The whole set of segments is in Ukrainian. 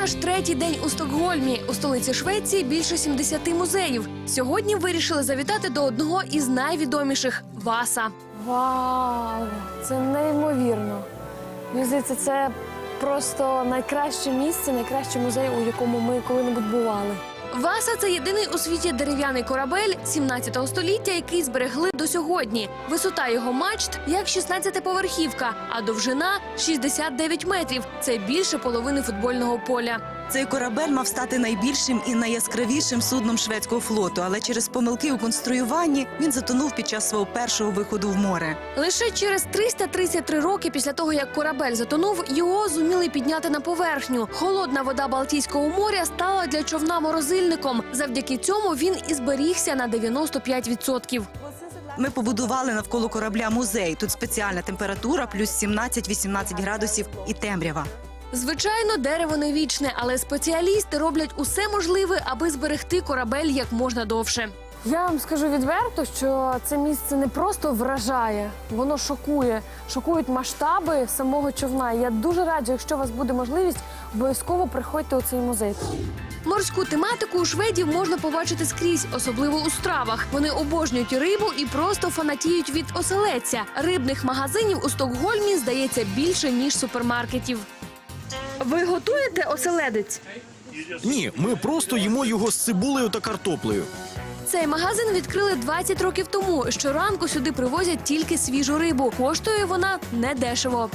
наш третій день у Стокгольмі. У столиці Швеції більше 70 музеїв. Сьогодні вирішили завітати до одного із найвідоміших – Васа. Вау! Це неймовірно. Мені здається, це просто найкраще місце, найкращий музей, у якому ми коли-небудь бували. Васа – це єдиний у світі дерев'яний корабель 17 століття, який зберегли до сьогодні. Висота його мачт – як 16-поверхівка, а довжина – 69 метрів. Це більше половини футбольного поля. Цей корабель мав стати найбільшим і найяскравішим судном шведського флоту, але через помилки у конструюванні він затонув під час свого першого виходу в море. Лише через 333 роки після того, як корабель затонув, його зуміли підняти на поверхню. Холодна вода Балтійського моря стала для човна морозильником. Завдяки цьому він і зберігся на 95%. Ми побудували навколо корабля музей. Тут спеціальна температура – плюс 17-18 градусів і темрява. Звичайно, дерево не вічне, але спеціалісти роблять усе можливе, аби зберегти корабель як можна довше. Я вам скажу відверто, що це місце не просто вражає, воно шокує. Шокують масштаби самого човна. І я дуже раджу, якщо у вас буде можливість, обов'язково приходьте у цей музей. Морську тематику у шведів можна побачити скрізь, особливо у стравах. Вони обожнюють рибу і просто фанатіють від оселедця. Рибних магазинів у Стокгольмі, здається, більше, ніж супермаркетів. Ви готуєте оселедець? Ні, ми просто їмо його з цибулею та картоплею. Цей магазин відкрили 20 років тому. Щоранку сюди привозять тільки свіжу рибу. Коштує вона недешево.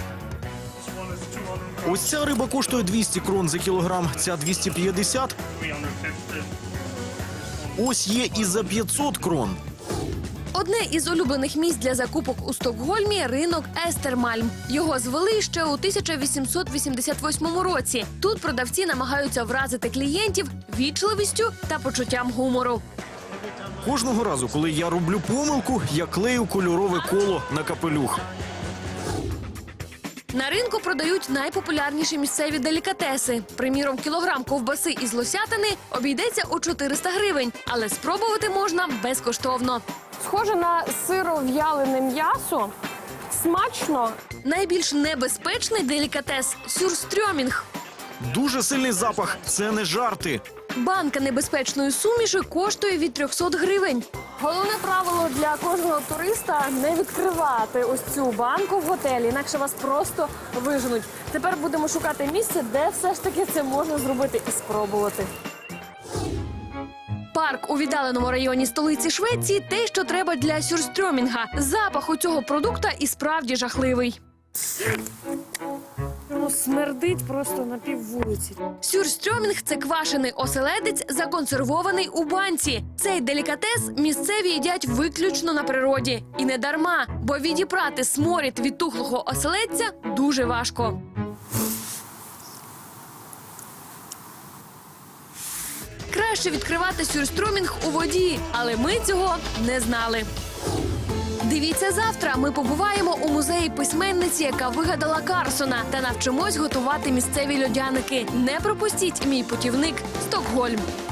Ось ця риба коштує 200 крон за кілограм, ця 250. Ось є і за 500 крон. Одне із улюблених місць для закупок у Стокгольмі – ринок Естермальм. Його звели ще у 1888 році. Тут продавці намагаються вразити клієнтів вічливістю та почуттям гумору. Кожного разу, коли я роблю помилку, я клею кольорове коло на капелюх. На ринку продають найпопулярніші місцеві делікатеси. Приміром, кілограм ковбаси із лосятини обійдеться у 400 гривень, але спробувати можна безкоштовно. Схоже на сиров'ялене м'ясо. Смачно. Найбільш небезпечний делікатес – сюрстрьомінг. Дуже сильний запах, це не жарти. Банка небезпечної суміші коштує від 300 гривень. Головне правило для кожного туриста – не відкривати ось цю банку в готелі, інакше вас просто виженуть. Тепер будемо шукати місце, де все ж таки це можна зробити і спробувати. Парк у віддаленому районі столиці Швеції – те, що треба для сюрстрьомінга. Запах у цього продукта і справді жахливий. Воно смердить просто на піввулиці. Сюрстрьомінг – це квашений оселедець, законсервований у банці. Цей делікатес місцеві їдять виключно на природі. І не дарма, бо відібрати сморід від тухлого оселедця дуже важко. Краще відкривати сюрстрьомінг у воді, але ми цього не знали. Дивіться завтра. Ми побуваємо у музеї письменниці, яка вигадала Карлсона, та навчимось готувати місцеві льодяники. Не пропустіть мій путівник Стокгольм.